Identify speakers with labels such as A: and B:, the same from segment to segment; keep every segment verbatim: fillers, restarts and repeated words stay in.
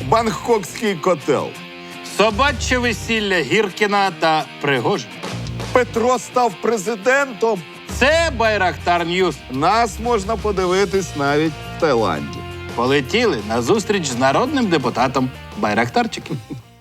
A: Бангкокський котел.
B: Собаче весілля Гіркіна та Пригожина.
A: Петро став президентом.
B: Це Байрактар Ньюс.
A: Нас можна подивитись навіть в Таїланді.
B: Полетіли на зустріч з народним депутатом Байрактарчиком.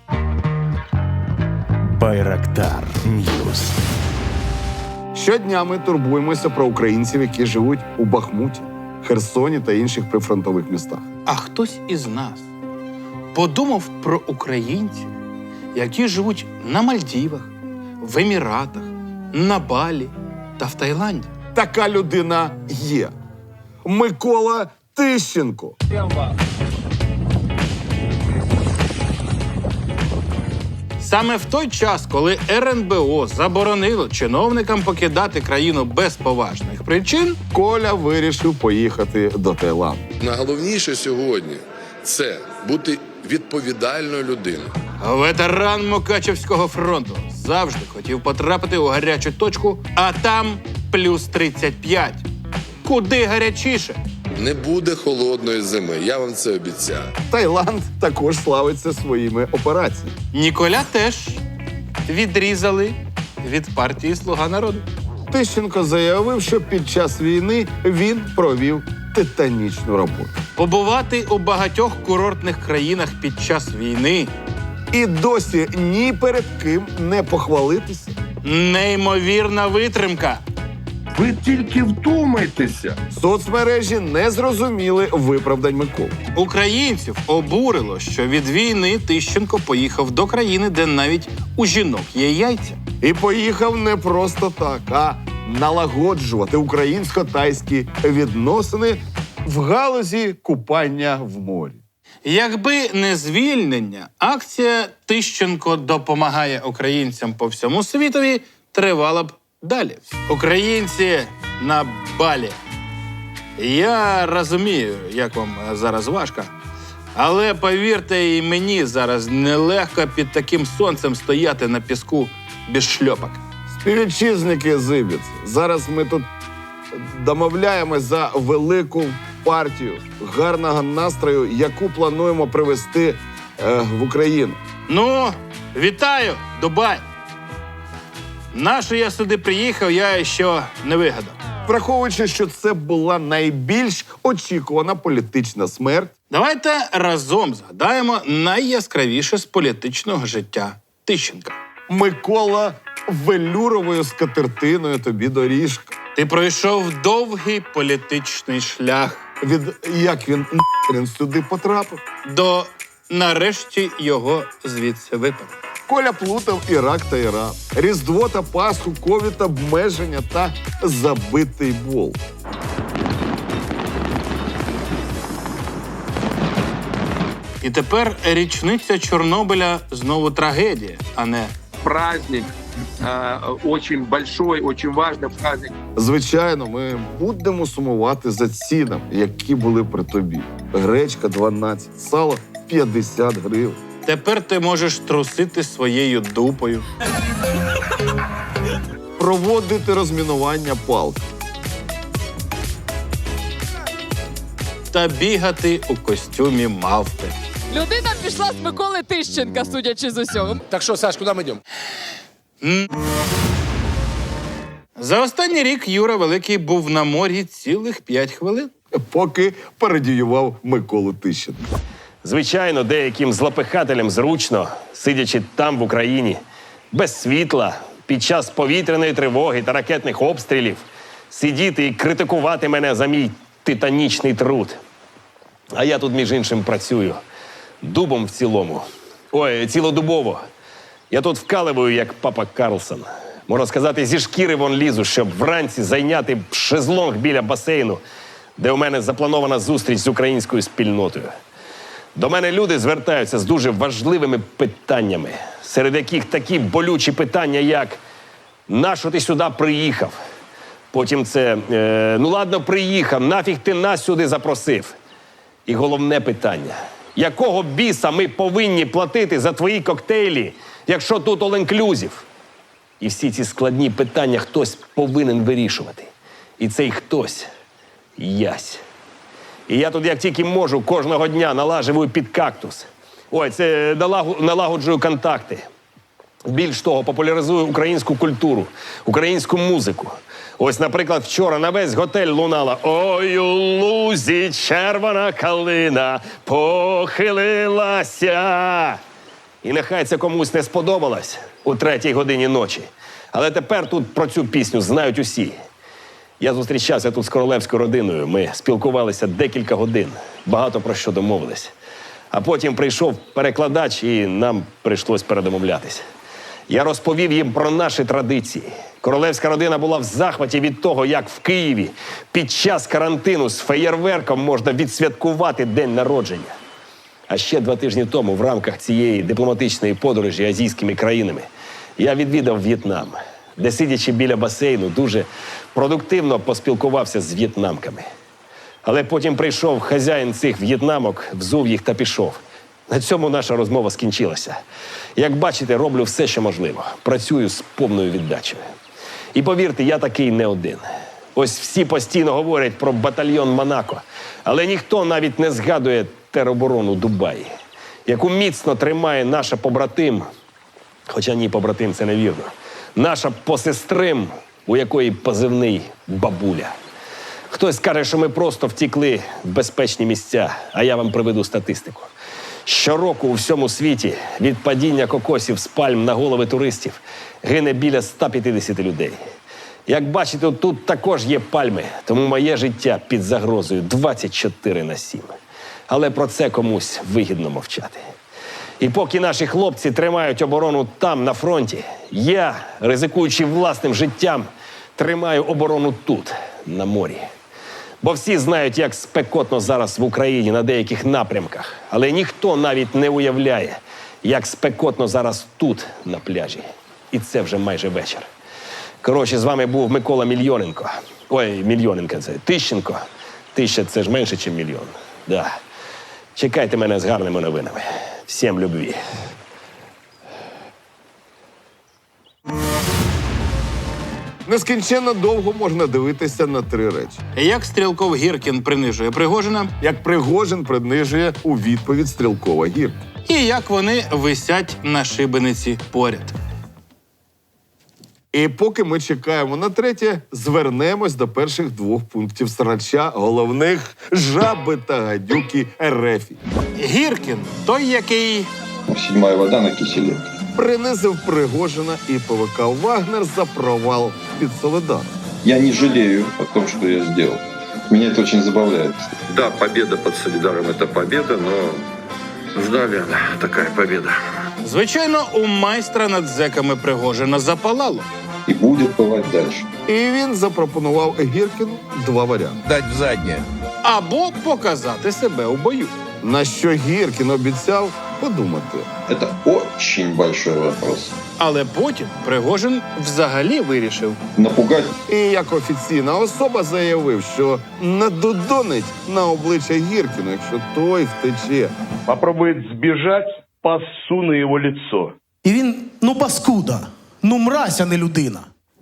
C: Байрактар Ньюс.
A: Щодня ми турбуємося про українців, які живуть у Бахмуті, Херсоні та інших прифронтових містах.
B: А хтось із нас подумав про українців, які живуть на Мальдівах, в Еміратах, на Балі та в Таїланді.
A: Така людина є. Микола Тищенко.
B: Саме в той час, коли ер ен бе о заборонило чиновникам покидати країну без поважних причин,
A: Коля вирішив поїхати до Таїланду.
D: Найголовніше сьогодні – це бути відповідальною людиною.
B: ветеран Мукачевського фронту завжди хотів потрапити у гарячу точку, а там плюс тридцять п'ять. Куди гарячіше?
D: Не буде холодної зими, я вам це обіцяю.
A: Таїланд також славиться своїми операціями.
B: Ніколя теж відрізали від партії «Слуга народу».
A: Тищенко заявив, що під час війни він провів титанічну роботу.
B: Побувати у багатьох курортних країнах під час війни
A: І досі ні перед ким не похвалитися.
B: – неймовірна витримка.
E: Ви тільки вдумайтеся.
A: Соцмережі не зрозуміли виправдань Миколи.
B: Українців обурило, що від війни Тищенко поїхав до країни, де навіть у жінок є яйця.
A: І поїхав не просто так, а налагоджувати українсько-тайські відносини в галузі купання в морі.
B: Якби не звільнення, акція «Тищенко допомагає українцям по всьому світові» тривала б далі. Українці на Балі. Я розумію, як вам зараз важко, але повірте, і мені зараз нелегко під таким сонцем стояти на піску без шльопок.
A: Співвітчизники Зибіць, зараз ми тут домовляємось за велику партію гарного настрою, яку плануємо привезти е, в Україну.
B: Ну, вітаю, Дубай! Нащо я сюди приїхав, я ще не вигадав.
A: Враховуючи, що це була найбільш очікувана політична смерть,
B: Давайте разом згадаємо найяскравіше з політичного життя Тищенка.
A: Микола велюровою скатертиною тобі доріжка.
B: Ти пройшов довгий політичний шлях
A: Від як він нахрен сюди потрапив.
B: до нарешті його звідси випав.
A: Коля плутав Ірак та Іран, Різдво та Пасху, ковід, обмеження та забитий бол.
B: І тепер річниця Чорнобиля знову трагедія, а не
E: Праздник э, очень большой, очень важный праздник.
A: Звичайно, ми будемо сумувати за цінами, які були при тобі. Гречка дванадцять, сало п'ятдесят гривень.
B: тепер ти можеш трусити своєю дупою.
A: Проводити розмінування палки.
B: Та бігати у костюмі мавпи.
F: Людина пішла з Миколи Тищенка, судячи з усього.
G: Так что, Саш, куда мы идем?
B: За останній рік Юра Великий був на морі цілих п'ять хвилин.
A: Поки пародіював Миколу Тищенка.
H: Звичайно, деяким злопихателям зручно, сидячи там, в Україні, без світла, під час повітряної тривоги та ракетних обстрілів, сидіти і критикувати мене за мій титанічний труд. А я тут, між іншим, працюю. Дубом в цілому. Ой, цілодубово. Я тут вкаливаю, як папа Карлсон. Можна сказати, зі шкіри вон лізу, щоб вранці зайняти шезлонг біля басейну, де у мене запланована зустріч з українською спільнотою. До мене люди звертаються з дуже важливими питаннями, серед яких такі болючі питання, як «Нащо ти сюди приїхав?» Потім це е, «Ну ладно, приїхав, нафіг ти нас сюди запросив?» І головне питання – якого біса ми повинні платити за твої коктейлі, якщо тут all-inclusive? І всі ці складні питання хтось повинен вирішувати. І цей хтось – ясь. І я тут, як тільки можу, кожного дня налаживаю під кактус. Ой, це налагу- налагоджує контакти. Більш того, популяризує українську культуру, українську музику. Ось, наприклад, вчора на весь готель лунала «Ой, у лузі червона калина похилилася». І нехай це комусь не сподобалось у третій годині ночі. Але тепер тут про цю пісню знають усі. Я зустрічався тут з королевською родиною. Ми спілкувалися декілька годин, багато про що домовились. А потім прийшов перекладач, і нам прийшлось передомовлятись. Я розповів їм про наші традиції. Королевська родина була в захваті від того, як в Києві під час карантину з феєрверком можна відсвяткувати день народження. А ще два тижні тому в рамках цієї дипломатичної подорожі азійськими країнами я відвідав В'єтнам, де, сидячи біля басейну, дуже продуктивно поспілкувався з в'єтнамками. Але потім прийшов хазяїн цих в'єтнамок, взув їх та пішов. На цьому наша розмова скінчилася. Як бачите, роблю все, що можливо. Працюю з повною віддачею. І повірте, я такий не один. Ось всі постійно говорять про батальйон Монако, але ніхто навіть не згадує тероборону Дубаї, яку міцно тримає наша побратим, хоча ні, побратим – це невірно, наша посестрим, у якої позивний «Бабуля». Хтось скаже, що ми просто втікли в безпечні місця, а я вам приведу статистику. Щороку у всьому світі від падіння кокосів з пальм на голови туристів гине біля ста п'ятдесят людей. Як бачите, тут також є пальми, тому моє життя під загрозою двадцять чотири на сім. Але про це комусь вигідно мовчати. І поки наші хлопці тримають оборону там, на фронті, я, ризикуючи власним життям, тримаю оборону тут, на морі. Бо всі знають, як спекотно зараз в Україні на деяких напрямках. Але ніхто навіть не уявляє, як спекотно зараз тут, на пляжі. І це вже майже вечір. Коротше, з вами був Микола Мільйоненко. Ой, Мільйоненко це. Тищенко. Тища – це ж менше, ніж мільйон. Да. Чекайте мене з гарними новинами. Всім любві.
A: Нескінченно довго можна дивитися на три речі.
B: Як Стрілков Гіркін принижує Пригожина,
A: Як Пригожин принижує у відповідь Стрілкова Гіркін.
B: і як вони висять на шибениці поряд.
A: І поки ми чекаємо на третє, звернемось до перших двох пунктів срача головних жаби та гадюки Ерефі.
B: Гіркін – той, який
G: Седьмая вода на киселе.
A: Принизив Пригожина і ПВК «Вагнер» за провал під Солидар.
G: Я не жалею о том, что я сделал. Меня это очень забавляет.
I: Да, победа под Солидаром – это победа, но ждали она, такая победа.
B: Звичайно, у майстра над зеками Пригожина запалало.
G: И будет бывать дальше.
A: І він запропонував Гіркіну два варіанти.
C: Дать в заднее.
B: Або показати себе у бою.
A: На що Гіркін обіцяв подумати.
G: Это очень большой вопрос.
B: Але потім Пригожин взагалі вирішив.
G: Напугать
A: І як офіційна особа заявив, що надудонить на обличчя Гіркіну, якщо той втече.
J: Попробует сбежать, пассу на его лицо.
K: І він, ну, паскуда, ну, мразь, а не людина.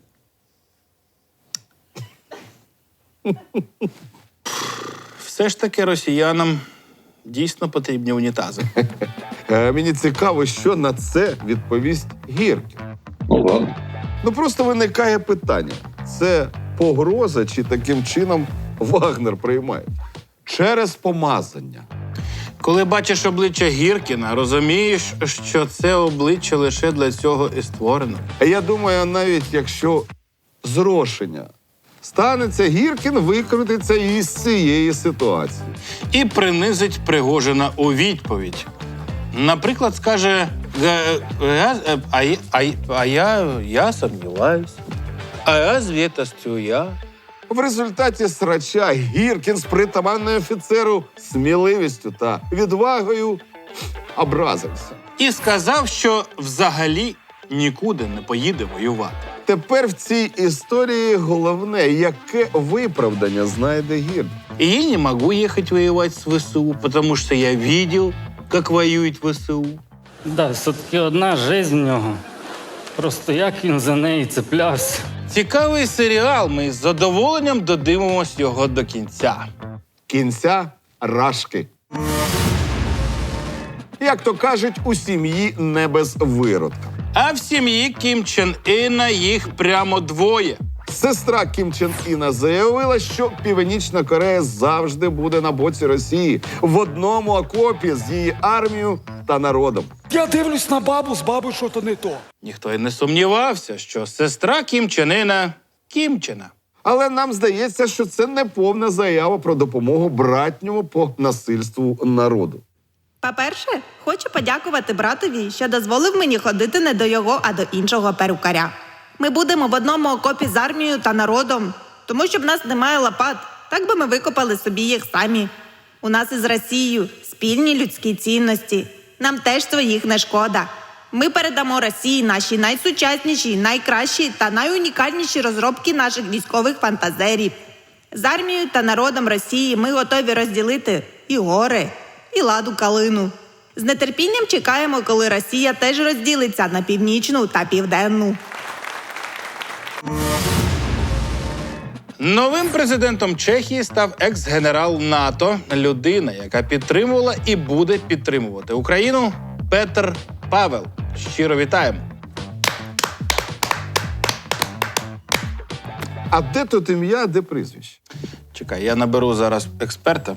B: Все ж таки росіянам дійсно потрібні унітази.
A: Е, мені цікаво, що на це відповість Гіркін.
G: Ну ладно.
A: Ну просто виникає питання. Це погроза чи таким чином Вагнер приймає? Через помазання.
B: Коли бачиш обличчя Гіркіна, розумієш, що це обличчя лише для цього і створено.
A: А я думаю, навіть якщо зрошення станеться, Гіркін викрутиться із цієї ситуації.
B: І принизить Пригожина у відповідь. Наприклад, скаже, «Га- я- а, я- а, я- а я, я сумніваюсь. А разве это я?
A: В результаті срача Гіркін з притаманною офіцеру сміливістю та відвагою образився.
B: І сказав, що взагалі нікуди не поїде воювати.
A: Тепер в цій історії головне, яке виправдання знайде Гіркін.
B: И я не могу ехать воевать с ВСУ, потому что я видел, как воюет ВСУ.
L: Да, все-таки одна жизнь в нього. Просто як він за неї цеплявся.
B: Цікавий серіал, ми з задоволенням додивимось його до кінця.
A: Кінця рашки. Як то кажуть, у сім'ї не без виродка.
B: А в сім'ї Кім Чен Іна їх прямо двоє.
A: Сестра Кім Чен Іна заявила, що Північна Корея завжди буде на боці Росії в одному окопі з її армією та народом.
M: Я дивлюсь на бабу, з бабою що-то не то.
B: Ніхто й не сумнівався, що сестра Кім Чен Іна – Кімчена.
A: Але нам здається, що це не повна заява про допомогу братньому по насильству народу.
N: По-перше, хочу подякувати братові, що дозволив мені ходити не до його, а до іншого перукаря. Ми будемо в одному окопі з армією та народом, тому що в нас немає лопат, так би ми викопали собі їх самі. У нас із Росією спільні людські цінності. Нам теж своїх не шкода. Ми передамо Росії наші найсучасніші, найкращі та найунікальніші розробки наших військових фантазерів. З армією та народом Росії ми готові розділити і гори, і ладу калину. З нетерпінням чекаємо, коли Росія теж розділиться на північну та південну.
B: Новим президентом Чехії став екс-генерал НАТО, людина, яка підтримувала і буде підтримувати Україну, Петр Павел. Щиро вітаємо.
A: А де тут ім'я, а де прізвище?
B: Чекай, я наберу зараз експерта.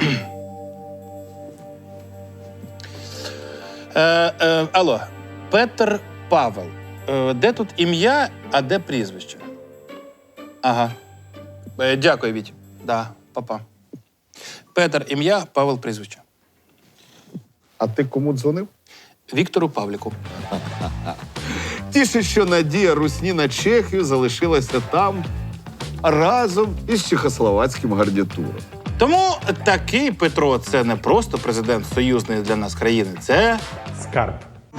B: е, е, алло, Петр Павел. Е, де тут ім'я, а де прізвище? Ага. Е, дякую, Віть. Да, папа. Петр ім'я, Павел прізвище.
A: А ти кому дзвонив?
B: Віктору Павліку.
A: Тіше, що надія русні на Чехію залишилася там разом із чехословацьким гарнітуром.
B: Тому такий Петро – це не просто президент союзної для нас країни, це
C: Скарб.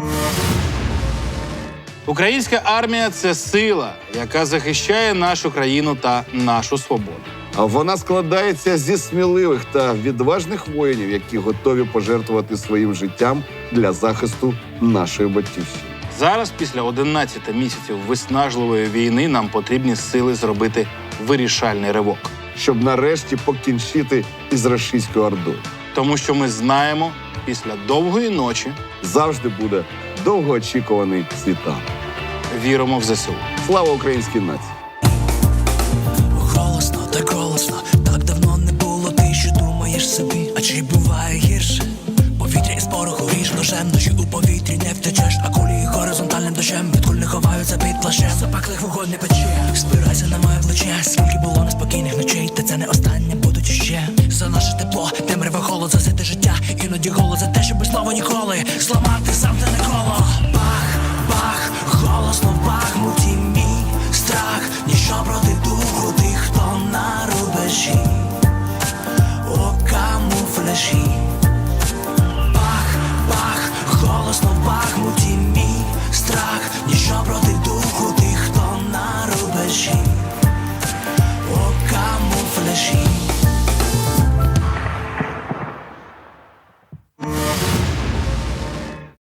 B: українська армія – це сила, яка захищає нашу країну та нашу свободу.
A: А вона складається зі сміливих та відважних воїнів, які готові пожертвувати своїм життям для захисту нашої батьківщини.
B: Зараз, після одинадцяти місяців виснажливої війни, нам потрібні сили зробити вирішальний ривок.
A: Щоб нарешті покінчити із рашистською ордою.
B: Тому що ми знаємо, після довгої ночі
A: Завжди буде довгоочікуваний світанок.
B: віримо в ЗСУ.
A: Слава українській нації!
M: Голосно, так голосно, так давно не було, ти що думаєш собі, а чи буває гірше? Повітря із пороху ріж ножем, ночі у повітрі не втечеш, а кулі горизонтальним дощем від куль не ховаються під плащем. Запеклих вогонь не пече, спирайся на моє плече, скільки було неспокійних ночей, та це не останнє, будуть ще. За наше тепло, темряве холод, за те життя, іноді голод за те, щоб слово ніколи зламати замкнене коло. Бах, бах, голосно в Бахмуті мій страх, ніщо проти духу тих, хто на рубежі, у камуфляжі. Бах, бах, голосно в Бахмуті мій страх, ніщо проти духу тих, хто на рубежі, у камуфляжі.